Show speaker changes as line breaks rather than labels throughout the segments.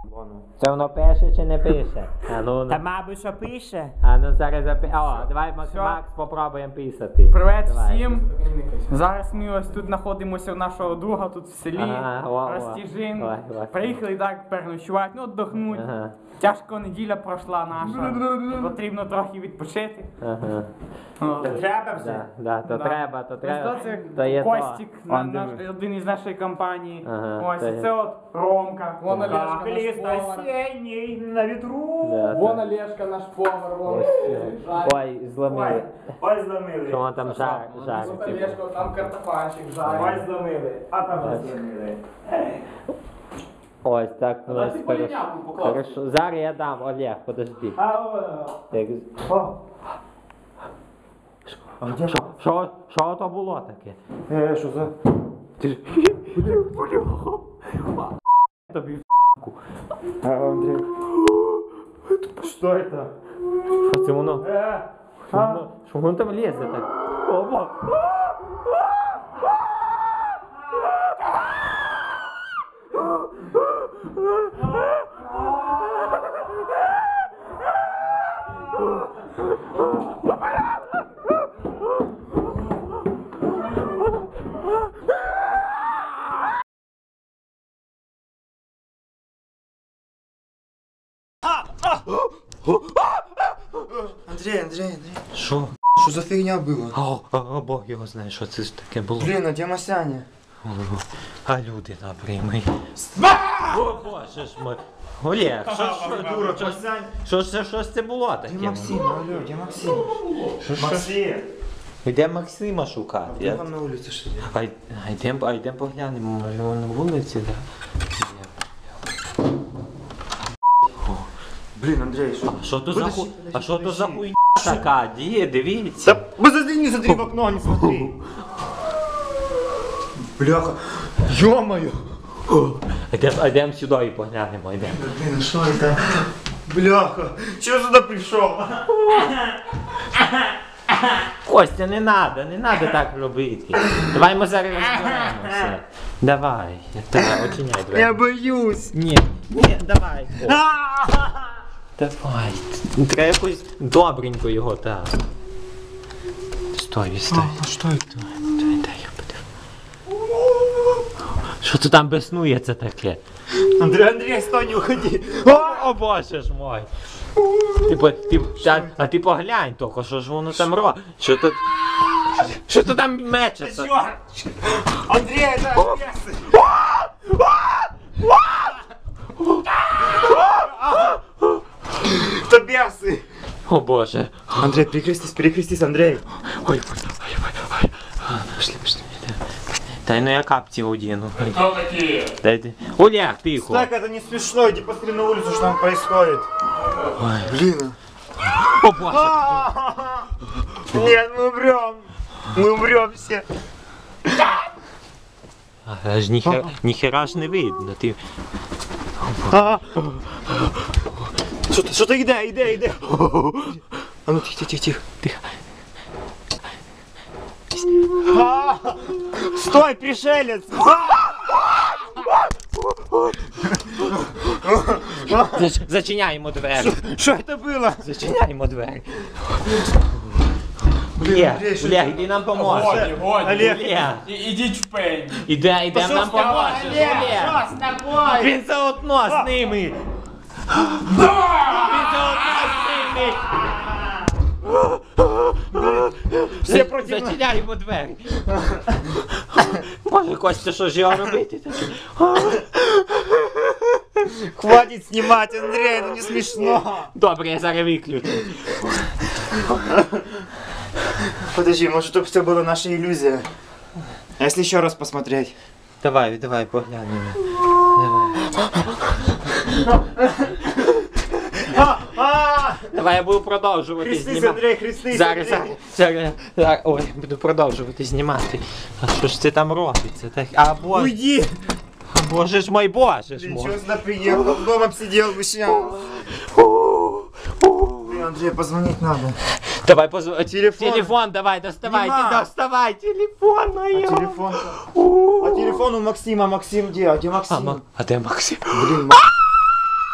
Це воно пише чи не пише? А ну,
Та мабуть, що пише.
а ну зараз О, давай Макс попробуємо писати.
Привет
Давай.
всім! Зараз ми ось тут знаходимося у нашого друга тут в селі
Ага,
Ростіжин.
Давай.
Приїхали так переночувати, ну віддохнуть.
Ага.
Тяжко неділя пройшла наша. Потрібно трохи відпочити.
Ага.
Треба вже.
Да, то треба.
Ось це
То є то.
Костік, один із нашої компанії.
Ага,
Ось
то є.
це от Ромка.
Вон Олежка,
Ліс
наш повар.
осінній на вітру.
Да,
Вон Олежка, наш повар, вон.
Ой, зломили.
Ой, зломили.
Що вон там
Вот
жарить?
Олежка, там картофанчик
Ой,
жарить.
зломили. А там вже зломили.
Ось так у нас
ти поліняку поклав.
хорошо. Зараз я дам, Олег, подожди.
А,
Так. Що то було таке?
що за...
Ти ж... Тобі
Андрей. Что это?
що це воно? Що воно там лізе так? Опа!
Андрей.
Що?
Что за фигня была?
О, Бог його знає, що це ж таке було.
Блин, а где Масяня?
А люди напрямий. О, Боже ж мой. Олег, що ж це було таке?
Где Максим? Алло, где Максим?
Максим.
Де Максима шукати?
Я там на улице что ли?
А йдемо поглянемо, може він на вулиці, да?
Блин, Андрей, что?
А що то за хуйня така? Дивіться.
Не смотри в окно, не смотри. Бляха. Ё-моё.
Йдемо сюди і поглянемо, йдемо.
Блин, а что это? Бляха. Чего сюда пришел?
Костя, не надо так робити. Давай ми зараз розберемося. Давай, очиняй двері.
Я боюсь.
Ні, давай. Давай. Треба якось добренько його, так. Стой.
А что это?
Дай я подивлюсь. Що це там беснується таке?
Андрей, стой, не уходи.
О, Боже ж мой. А ти поглянь тільки, що ж воно там робить? Що то там мечеться?
Андрей, это бесы. Это бесы.
О Боже.
Андрей, перекрестись, Андрей.
Ой. Пошли. Дай, ну я капці одіну.
Кто такие?
Дайте. Олег, тихо.
Так, это не смешно, иди посмотри на улицу, что там происходит.
Ой.
Блин.
О Боже.
Нет, мы умрем все.
Аж ніхера ж не видно. Ти...
Что-то иди. А ну тихо. Стой, пришелец!
Зачиняємо двері.
Что это было?
Зачиняємо двері.
Андрей, що
Олег, іди нам поможеш.
Олег,
Олег,
Ідіть в пень.
ідем нам поможеш. Олег. Він заодно з ними.
Все проти нас.
Зачиняємо двері. Може, Костя, що ж його робити?
Хватит снимать, Андрей, это не смешно.
Добре, я зараз виключу.
Подожди, может это все была наша иллюзия? А если еще раз посмотреть?
Давай, поглянемо. Давай я буду продовжувати
Хрестись,
знімати.
Андрей, хрестись,
Зараз. Ой, буду продовжувати знімати. А що ж це там робиться? Так,
Уйди!
Боже ж мой, Боже ж
Блин,
мой.
чего сюда приехал? Дома сидел бы сейчас. Блин, Андрей, позвонить надо.
Давай позвони.
Телефон.
Телефон давай, доставай,
Нема.
доставай телефон моя.
Телефон. А телефон у Максима. Максим где? А где Максим?
А де Максим?
Блин,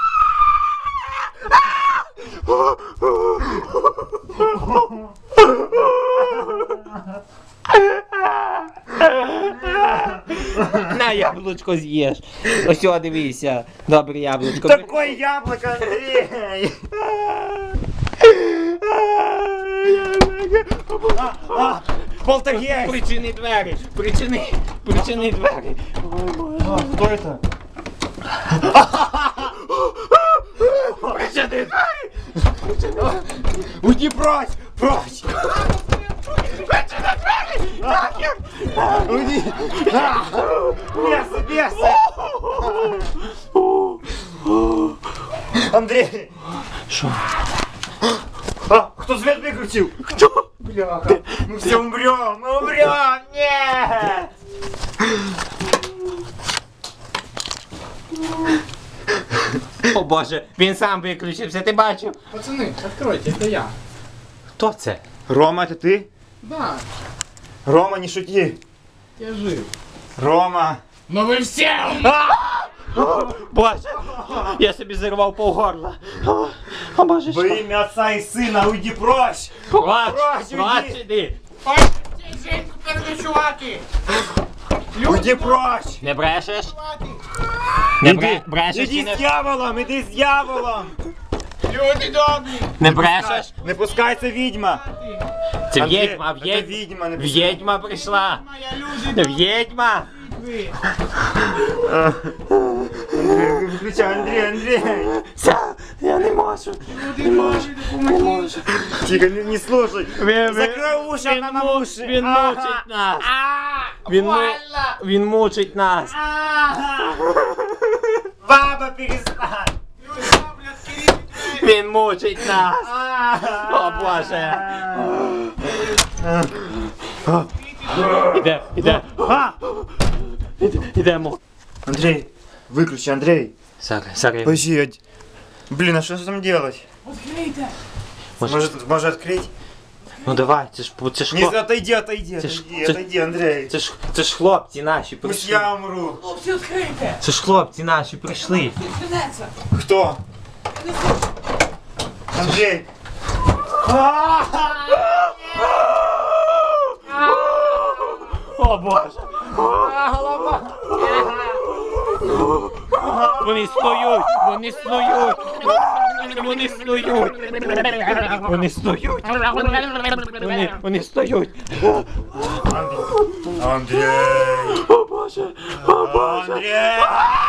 На яблучко з'їж. Ось сюди дивися. Добре яблучко.
Такое яблоко, Андрей! Полтергейст!
Причини двері. Причини двері.
Кто это?
Причини двері.
Уйди прочь! Прочь! Уйди! Бесы, бесы! Андрей!
Що?
Кто свет выключил? Кто? Бляха! Мы все умрем! Мы умрем! Нет!
О Боже, він сам виключився, ти бачив?
Пацаны, откройте, это я.
Хто це?
Рома, это ты?
Да,
Рома, не шути!
я жив.
Рома!
Но вы все!
Боже, я собі зірвав полгорла. О Боже,
Во имя Отца и Сына, уйди прочь!
Плач,
Прочь,
плач
уйди!
іди.
Ой, Женьку переночувати!
Уйди прочь!
Не брешеш? Не
Иди,
брешеш чи
иди
не...
с дьяволом, иди с дьяволом!
Люди добрі!
Не брешеш?
Не пускайся, ведьма!
Це
Андрей,
відьма,
это ведьма, не пускай.
відьма прийшла.
Моя люди
Відьма.
добрі!
Андрей, выключай, Андрей!
Я не можу.
Люди добрі, допоможіть!
Тихо, не слушай!
Він-
Закрой уши,
він
она на
му-
уши!
Він мучить нас. Він мучить нас.
Баба, перестань!
Люди добрі, відкрийте двері!
Він мучить нас. О Боже. Ідемо.
Андрей, выключи, Андрей!
Сари.
Подожди, блин, а что там делать?
Відкрийте!
Может открыть?
Ну давай, це ж
Не, отойди, отойди,
Це ж-
отойди,
це-
отойди, Андрей!
Це ж хлопці наші
Пусть
прийшли.
я умру!
Хлопці, відкрийте!
Це ж хлопці наші прийшли.
Відкринеться!
Кто? Андрей!
О Боже! Вони стоють! Вони стоють! Вони стоють! Вони стоють! Вони стоють!
Андрей!
О Боже! О Боже!
Андрей!